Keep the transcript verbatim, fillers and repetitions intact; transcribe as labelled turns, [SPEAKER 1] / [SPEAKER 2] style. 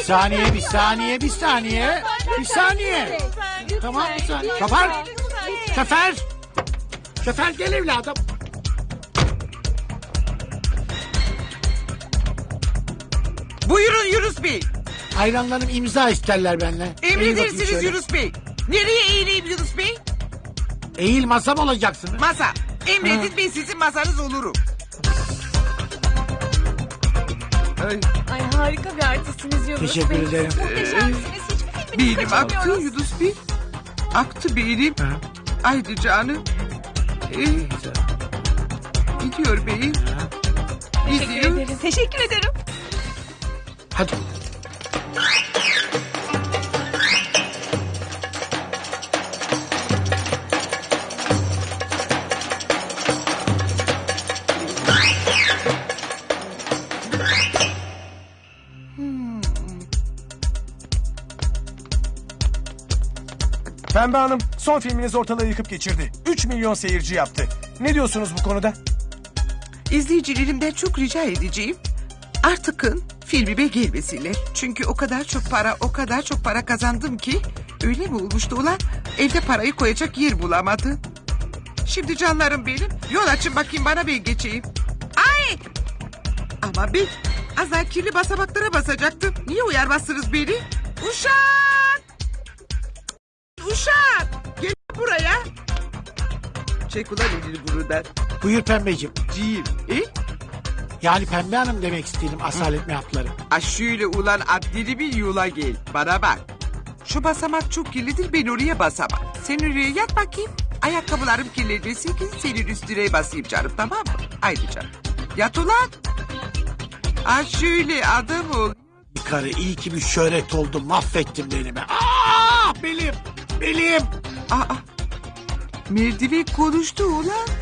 [SPEAKER 1] saniye, bir saniye, bir saniye. Bir saniye. Tamam, bir saniye. Şoför. Şoför. Şoför gel evladım.
[SPEAKER 2] Buyurun Yunus Bey.
[SPEAKER 1] Hayranlarım imza isterler benden. Eğil bakayım
[SPEAKER 2] Emredersiniz
[SPEAKER 1] şöyle.
[SPEAKER 2] Yunus Bey. Nereye eğileyim Yunus Bey?
[SPEAKER 1] Eğil masam olacaksınız.
[SPEAKER 2] Masa. Emredin
[SPEAKER 1] Ha.
[SPEAKER 2] ben sizin masanız olurum. Ay,
[SPEAKER 3] Ay harika bir artistsiniz Yunus
[SPEAKER 1] Teşekkür
[SPEAKER 3] Bey.
[SPEAKER 1] ederim.
[SPEAKER 3] Muhteşemsiniz. Hiçbir filmini
[SPEAKER 2] beynim aktı
[SPEAKER 3] kaçırmıyoruz.
[SPEAKER 2] Yunus Bey. Aktı beynim.
[SPEAKER 1] Ha.
[SPEAKER 2] Haydi canım. Ee, gidiyor beyim.
[SPEAKER 3] Teşekkür
[SPEAKER 2] Gidiyor.
[SPEAKER 3] ederim. Teşekkür ederim.
[SPEAKER 1] Hadi.
[SPEAKER 4] Pembe Hanım son filminiz ortalığı yıkıp geçirdi. üç milyon seyirci yaptı. Ne diyorsunuz bu konuda?
[SPEAKER 2] İzleyicilerimden çok rica edeceğim. Artıkın filmime gelmesinler. Çünkü o kadar çok para, o kadar çok para kazandım ki... Öyle mi olmuştu ulan? Evde parayı koyacak yer bulamadım. Şimdi canlarım benim. Yol açın bakayım bana, ben geçeyim. Ay! Ama ben az daha kirli basamaklara basacaktım. Niye uyarmazsınız beni? Uşak! Uşak! Gel buraya. Çek ulan elini buradan.
[SPEAKER 1] Buyur pembeciğim.
[SPEAKER 2] Cim. E?
[SPEAKER 1] Yani Pembe Hanım demek istedim asalet mehapları.
[SPEAKER 2] Ha şöyle ulan adlili bir yola gel. Bana bak. Şu basamak çok kirlidir, ben oraya basamam. Sen oraya yat bakayım. Ayakkabılarım kirlenmesin ki senin üstüne basayım canım, tamam mı? Haydi canım. Yat ulan. Ha şöyle adam ol.
[SPEAKER 1] Bir karı iyi ki bir şöhret oldum. Mahvettim belimi. Aa, belim. Belim.
[SPEAKER 2] Aa, merdiven konuştu ulan.